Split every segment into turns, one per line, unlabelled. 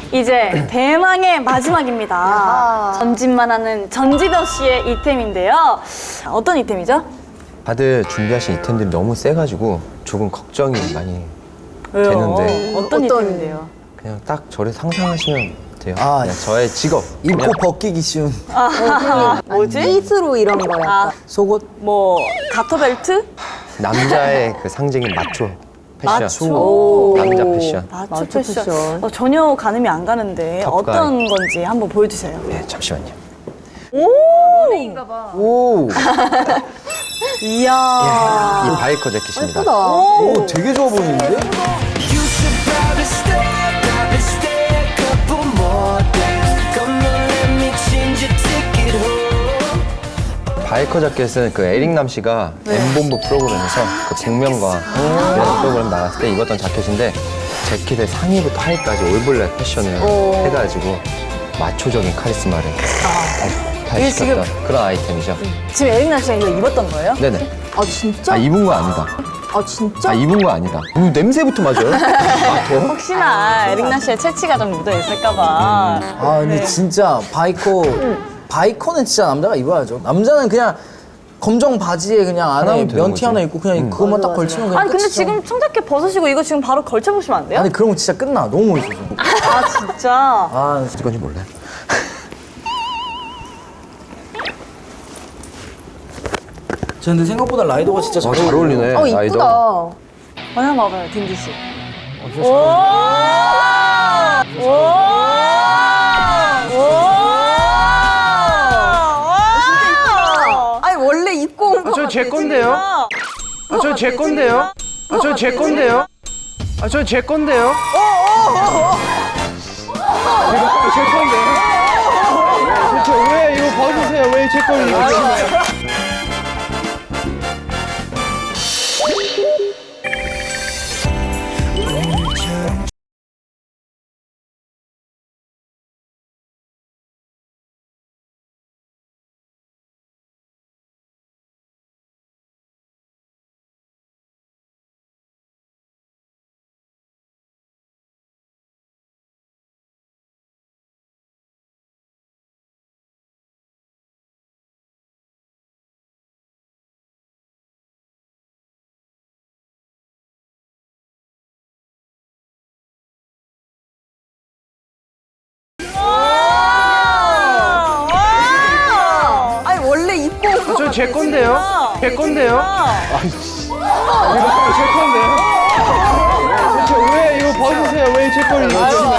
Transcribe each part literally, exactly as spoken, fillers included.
이제 대망의 마지막입니다. 전진만 하는 전지덕 씨의 이템인데요. 어떤 이템이죠?
다들 준비하신 이템들이 너무 세가지고 조금 걱정이 많이
왜요?
되는데
어떤,
어떤-
이템인데요?
그냥 딱 저를 상상하시면 돼요.
아,
그냥 저의 직업.
입고
그냥
벗기기 쉬운
뭐지?
핏으로 이런 거야.
아,
속옷.
뭐 가터벨트?
남자의 그 상징인 마초 패션.
마초.
남자 패션.
마초,
마초
패션.
패션.
어, 전혀 가늠이 안 가는데
턱가이.
어떤 건지 한번 보여주세요.
네, 잠시만요.
오,
이야.
이 바이커 재킷입니다.
예쁘다.
오, 되게 좋아 보이는데?
You should probably stay, probably stay a couple more days. Come on, let me change your ticket home.
바이커 재킷은 그 에릭남 씨가 엠본부 프로그램에서 그 복면가 이런 프로그램 나갔을 때 입었던 자켓인데 재킷의 상의부터 하의까지 올블랙 패션을 해가지고 마초적인 카리스마를
이게 지금-
탈시켰던 그런 아이템이죠.
지금 에릭남 씨가 이거 입었던 거예요?
네네.
아 진짜?
아 입은 거 아니다.
아 진짜?
아 입은 거 아니다. 음, 냄새부터 맞아요. 아 더?
혹시나 에릭남 씨의 채취가 좀 묻어 있을까봐.
아, 근데 진짜 바이커, 바이커는 진짜 남자가 입어야죠. 남자는 그냥 검정 바지에 그냥 안에
하나면 되는
면티
거지.
하나 입고 그냥 그것만 딱 걸치면 그냥
아니 근데
끝이죠.
지금 청자켓 벗으시고 이거 지금 바로 걸쳐보시면 안 돼요?
아니 그런 거 진짜 끝나. 너무 멋있어.
아 진짜?
아,
어건지 몰라요.
저 근데 생각보다 라이더가 진짜 잘,
어, 잘 어울리네.
어
라이더.
이쁘다.
어, 한번 와봐요 딘디 씨. 오! 오! 오!
아니 원래 입고 온 거.
저 제 건데요. 아, 저 제 건데요. 아, 저 제 건데요. 아, 저 제 건데요. 이거 제 건데요. 저 왜 이거 벗으세요? 왜 제 걸 입으세요?
아니 원래 입고 온 거.
저 제 건데요. 제 건데요. 이거 제 건데요. 저 왜 이거 벗으세요? 왜 제 걸 입으세요?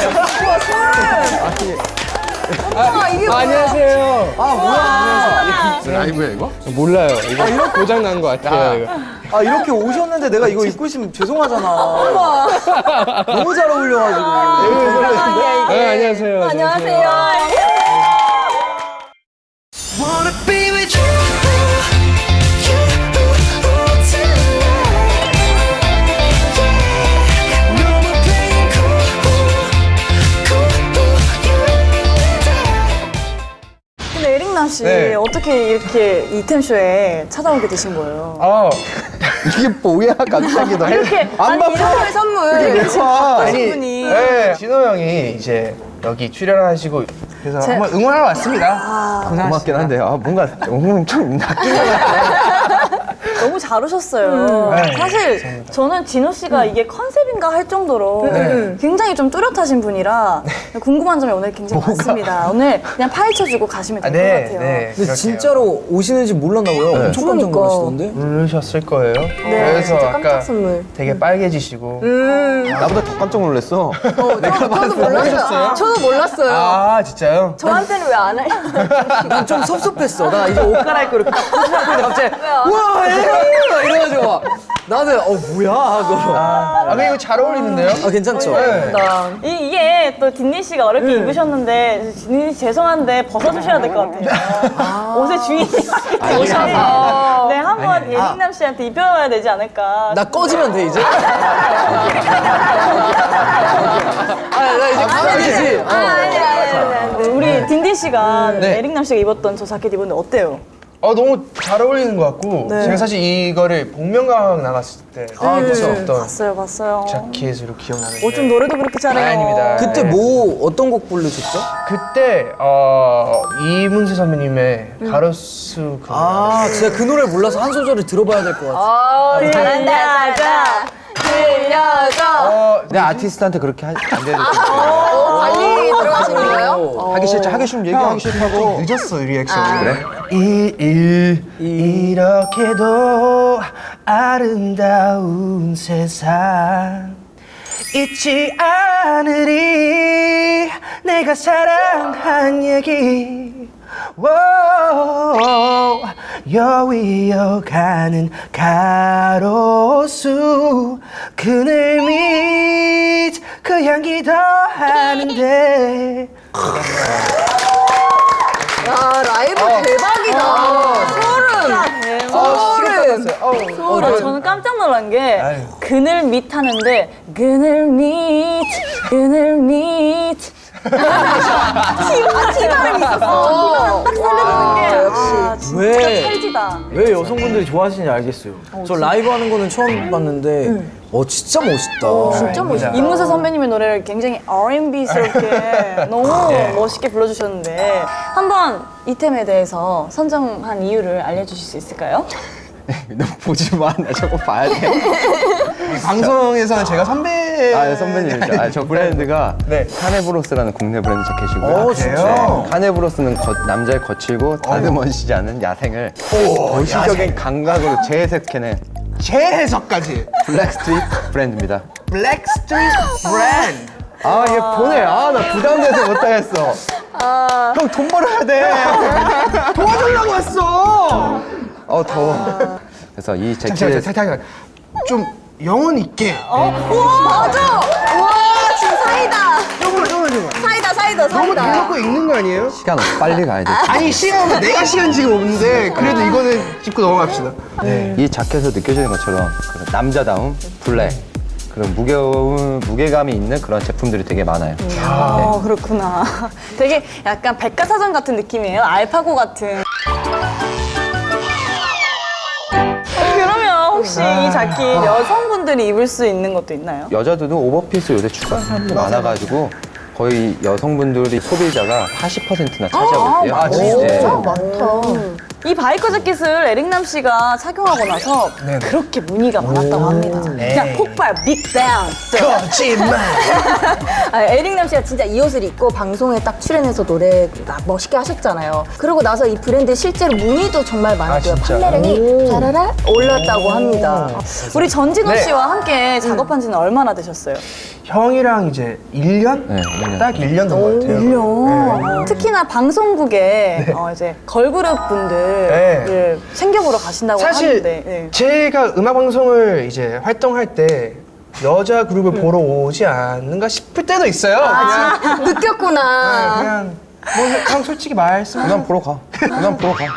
아 이게 뭐야?
안녕하세요.
아 뭐야?
라이브야 이거? 몰라요. 이거 고장 난 것 같아요. 이거.
아 이렇게 오셨는데 내가 이거 입고 있으면 죄송하잖아. 너무 잘 어울려가지고.
네, 안녕하세요.
안녕하세요.
Wanna be with you, you tonight. Yeah, no more playing cool, cool, you and I.
근데 에릭남 씨
네.
어떻게 이렇게 이템쇼에 찾아오게 되신 거예요?
아,
이게 뭐야 갑자기 너.
이렇게
안
아니,
바빠.
이렇게
선물.
바쁘신 분이
네, 진호 형이 이제 여기 출연하시고 그래서
제-
한번 응원하러 왔습니다.
고맙긴 한데 아 뭔가 음, 좀 낚인 것 같아.
너무 잘 오셨어요.
네,
사실 저는 진호 씨가 이게 컨셉인가 할 정도로
네.
굉장히 좀 뚜렷하신 분이라 궁금한 점이 오늘 굉장히 많습니다. 오늘 그냥 파헤쳐주고 가시면 될 것
네,
같아요.
네.
근데 진짜로 오시는지 몰랐나 봐요. 엄청 깜짝
그러니까.
놀라시던데.
모르셨을 거예요.
네,
그래서
진짜
아까
깜짝 선물.
되게 빨개지시고.
나보다 더 깜짝 놀랐어.
저도 몰랐어요. 저도 몰랐어요.
아, 진짜요?
저한테는 왜 안 해?
난 좀 섭섭했어. 나 이제 옷 갈아입고 이렇게 딱 포즈하는데 갑자기 우와 에이! 이래가지고 막 나는 어 뭐야 하고.
아, 근데 이거 잘 어울리는데요?
아 괜찮죠?
네.
이, 이게 또 딘니 씨가 어렵게 입으셨는데 딘니 씨 죄송한데 벗어주셔야 될 것 같아요. 옷의 주인이 오셔서 네 한번 예린남 씨한테 입혀봐야 되지 않을까.
나 꺼지면 돼 이제. 아나 이제 꺼면 되지. 어.
네, 우리 딘디 씨가
네.
에릭남 씨가 입었던 저 자켓 입었는데 어때요?
어 너무 잘 어울리는 것 같고 제가 사실 이거를 복면가왕 나갔을 때
아, 그쵸.
어떤
봤어요, 봤어요.
자켓으로 기억나는데
어, 좀 노래도 그렇게 잘해요.
아, 아닙니다.
그때 뭐 어떤 곡 부르셨죠?
그때 어, 이문세 선배님의 가로수 그
아, 진짜 그 노래 몰라서 한 소절을 들어봐야 될 것 같아요.
어, 잘한다, 잘한다. 들려줘.
어,
내 아티스트한테 그렇게 하, 안 되는
어, 관리 들어가시는 거예요?
하기 싫죠. 하기 싫으면 얘기하기 싫다고.
늦었어 리액션이.
그래?
이 일 이렇게도 아름다운 세상 잊지 않으리 내가 사랑한 얘기 오, 여위어가는 가로수 그늘 밑 그 향기 더하는데
야, 라이브 대박이다. 소름. 소름.
어, 저는 깜짝 놀란 게 그늘 밑 하는데 그늘 밑, 그늘 밑. 티가 티가름 있었어. 딱 살려주는 게 아, 진짜
왜?
찰지다.
왜 여성분들이 좋아하시는지 알겠어요. 저 라이브 하는 거는 처음 봤는데, 어, 진짜 멋있다.
진짜 멋있다.
이문세 선배님의 노래를 굉장히 알앤비스럽게 너무 멋있게 불러주셨는데 한번 이템에 대해서 선정한 이유를 알려주실 수 있을까요?
너 보지 마. 나 저거 봐야 돼.
방송에서는 제가 선배
아, 선배님이죠. 아, 저 브랜드가
네.
카네브로스라는 국내 브랜드 자켓이고요.
어, 진짜?
카네브로스는 거- 남자의 거칠고 다듬어지지 않은 야생을 도시적인 감각으로 재해석해낸
재해석까지
블랙 스트릿 브랜드입니다.
블랙 스트리트 브랜드
아, 얘 보내. 아, 나 부담돼서 못하겠어. 형, 돈 벌어야 돼.
도와주려고 왔어.
어, 더워. 그래서 이
잠시만요,
재킷
잠시만요. 좀 영혼 있게.
우와, 맞아. 우와, 지금 사이다.
조금만, 조금만, 조금만.
사이다, 사이다,
너무
사이다.
대놓고 있는 거 아니에요?
시간 없어. 빨리 가야 돼.
아니 시간 없는 내가 시간 지금 없는데 그래도 이거는 짚고 넘어갑시다. 네.
이 자켓에서 느껴지는 것처럼 그런 남자다움, 블랙, 그런 무게움, 무게감이 있는 그런 제품들이 되게 많아요.
어, 그렇구나. 되게 약간 백과사전 같은 느낌이에요. 알파고 같은. 그러면 혹시 이 자켓 여성분들이 입을 수 있는 것도 있나요?
여자들도 오버핏을 요새 추구하는 사람들이 많아가지고 거의 여성분들이 소비자가 사십 퍼센트나 차지하고 있대요.
아, 진짜?
네.
이 바이커 자켓을 에릭남 씨가 착용하고 나서 그렇게 문의가 많았다고 합니다. 그냥 폭발, 빅뱅.
거짓말.
아, 에릭남 씨가 진짜 이 옷을 입고 방송에 딱 출연해서 노래 딱 멋있게 하셨잖아요. 그러고 나서 이 브랜드 실제로 문의도 정말 많았고요.
아, 진짜?
판매량이 자라라 올랐다고 합니다.
우리 전진호
네.
씨와 함께 작업한 지는 얼마나 되셨어요?
형이랑 이제 일 년?
네, 일 년.
딱 일 년 된 것 같아요.
일 년. 특히나 방송국에 어, 이제 걸그룹 분들을
네.
챙겨보러 가신다고
사실
하는데 네.
제가 음악 방송을 이제 활동할 때 여자 그룹을 보러 오지 않는가 싶을 때도 있어요. 그냥 네,
느꼈구나.
그냥 뭐 그냥 솔직히 말씀.
그냥 보러 가. 그냥 보러 가.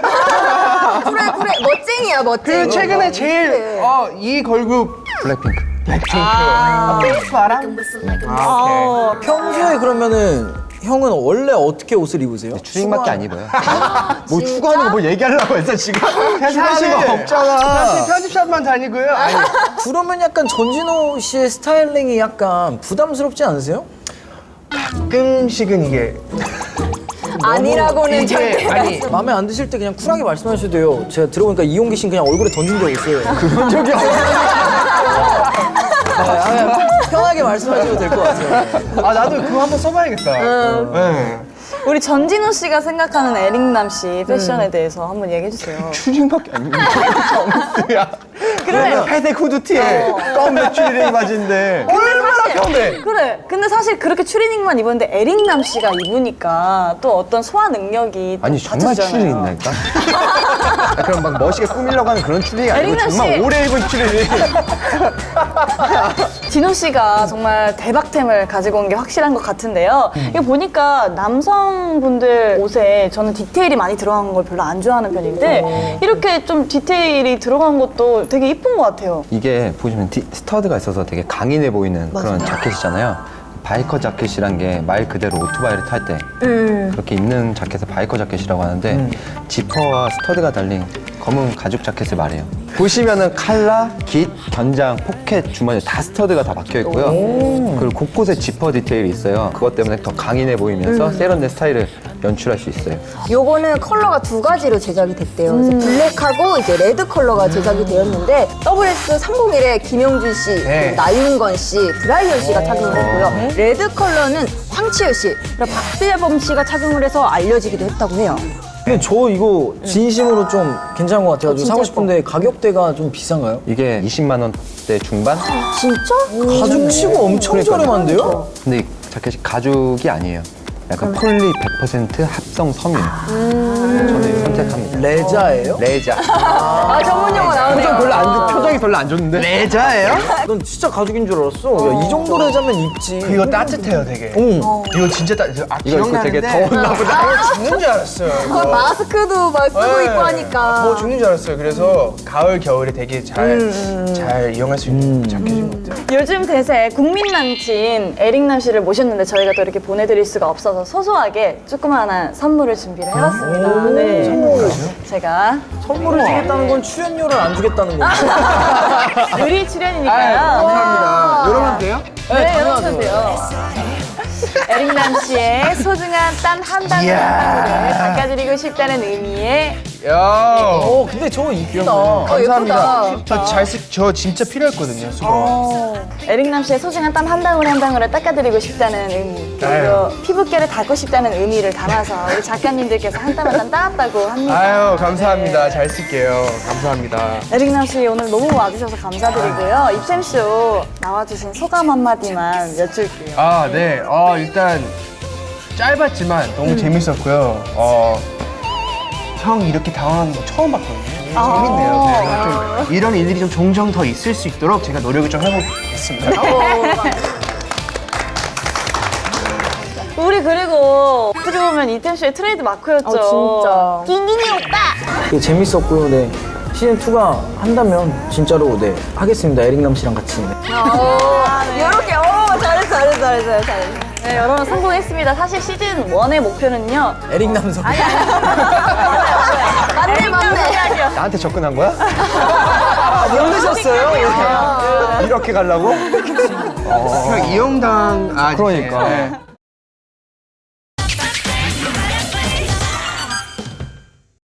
그래, 그래. 멋쟁이야, 멋쟁이.
그 최근에 제일 어, 이 걸그룹
블랙핑크.
블랙핑크. 아, 핑크바람? 아, 오케이.
평소에 그러면은 형은 원래 어떻게 옷을 입으세요?
추리닝밖에 안 입어요. 뭐 추구하는 거 뭐 얘기하려고 했어 지금?
사실
추구하는 거 없잖아.
사실 편집샵만 다니고요. 아니,
그러면 약간 전진호 씨의 스타일링이 약간 부담스럽지 않으세요?
가끔씩은 이게
아니라고는
이게
절대.
아니
마음에 안 드실 때 그냥 쿨하게 말씀하셔도 돼요. 제가 들어보니까 이용기 씨는 그냥 얼굴에 던진 적 있어요. 그런 적이 없어요. 편하게 말씀하셔도 될 것 같아요.
아 나도 그거 한번 써봐야겠다. 네.
우리 전진호 씨가 생각하는 에릭남 씨 패션에 대해서 한번 얘기해 주세요.
추리닝밖에 안 입는 정수야.
그래.
회색 후드티에 검은 추리닝 바지인데.
얼마나 편해.
그래. 근데 사실 그렇게 추리닝만 입었는데 에릭남 씨가 입으니까 또 어떤 소화 능력이 또
아니 정말
받쳐주잖아요.
추리닝 있나니까? 아, 그럼 막 멋있게 꾸미려고 하는 그런 추리닝이 아니고
에릭남
정말
씨.
오래 입은 추리닝.
진호 씨가 정말 대박템을 가지고 온 게 확실한 것 같은데요. 이거 보니까 남성분들 옷에 저는 디테일이 많이 들어간 걸 별로 안 좋아하는 편인데 이렇게 좀 디테일이 들어간 것도 되게 이쁜 것 같아요.
이게 보시면 디- 스터드가 있어서 되게 강인해 보이는 그런 자켓이잖아요. 바이커 자켓이란 게 말 그대로 오토바이를 탈 때 그렇게 입는 자켓을 바이커 자켓이라고 하는데 지퍼와 스터드가 달린 검은 가죽 자켓을 말해요. 보시면은 칼라, 깃, 견장, 포켓, 주머니 다 스터드가 다 박혀 있고요. 그리고 곳곳에 지퍼 디테일이 있어요. 그것 때문에 더 강인해 보이면서 세련된 스타일을 연출할 수 있어요.
요거는 컬러가 두 가지로 제작이 됐대요. 그래서 블랙하고 이제 레드 컬러가 제작이 되었는데 더블에스 삼공일에 김영준 씨,
네.
그리고 나윤건 씨, 브라이언 씨가 착용을 했고요. 레드 컬러는 황치열 씨, 그리고 박재범 씨가 착용을 해서 알려지기도 했다고 해요.
근데 저 이거 진심으로 좀 괜찮은 것 같아가지고
진짜
사고 싶은데 가격대가 좀 비싼가요?
이게 이십만 원대 중반?
진짜?
가죽 치고 엄청 저렴한데요?
근데 이 자켓이 가죽이 아니에요. 약간 폴리 백 퍼센트 합성 섬유. 저는 이거 선택합니다.
레자예요?
레자.
아, 전문 용어 나오네요.
표정 별로 안 좋, 표정이 별로 안 좋은데?
레자예요?
넌 진짜 가죽인 줄 알았어. 야, 이 정도 레자면 입지.
이거 따뜻해요, 되게.
어.
이거 진짜 따. 아,
이거 입고 되게
기억나는데.
더웠나 보다.
아, 죽는 줄 알았어요.
그거
이거.
마스크도 막 쓰고
네.
있고 하니까.
더 죽는 줄 알았어요. 그래서 가을 겨울에 되게 잘 잘 이용할 수 있는 자켓인 것 같아요.
요즘 대세 국민 남친 에릭남 씨를 모셨는데 저희가 또 이렇게 보내드릴 수가 없어서 소소하게 조그마한 선물을 준비를 해봤습니다. 네. 선물까지요? 제가
선물을 주겠다는 건 출연료를 안 주겠다는 거지.
의리 출연이니까요.
감사합니다. 열어봐도 돼요?
네, 열어주셔도 돼요. 에릭남 씨의 소중한 땀 한 방울 한 방울을 닦아드리고 싶다는 의미의
야.
어, 근데 저거 이쁘다.
감사합니다.
예쁘다.
저 잘 쓰, 저 진짜 필요했거든요, 수건.
에릭남 씨의 소중한 땀 한 방울 한 방울을 닦아드리고 싶다는 의미 그리고 피부결을 닦고 싶다는 의미를 담아서 우리 작가님들께서 한 땀 한 땀 따왔다고 합니다.
아유, 감사합니다. 잘 쓸게요. 감사합니다.
에릭남 씨 오늘 너무 와주셔서 감사드리고요. 입샘쇼 나와주신 소감 한마디만 여쭐게요.
아, 네. 어, 일단 짧았지만 너무 재밌었고요. 어, 형 이렇게 당황하는 거 처음 봤거든요. 재밌네요. 그래서 좀 이런 일들이 좀 종종 더 있을 수 있도록 제가 노력을 좀 해보겠습니다.
우리 그리고 어떻게 보면 이템쇼의 트레이드 마크였죠.
진짜.
낑낑이 오빠!
되게 재밌었고요. 네. 시즌 투가 한다면 진짜로 네 하겠습니다. 에릭남 씨랑 같이. 네.
이렇게, 오, 잘했어, 잘했어, 잘했어, 잘했어.
네, 여러분 성공했습니다. 사실 시즌 원의 목표는요.
에릭남 선.
맞네, 맞네.
나한테 접근한 거야?
모르셨어요?
이렇게 가려고?
형 이용당 아
그러니까.
네.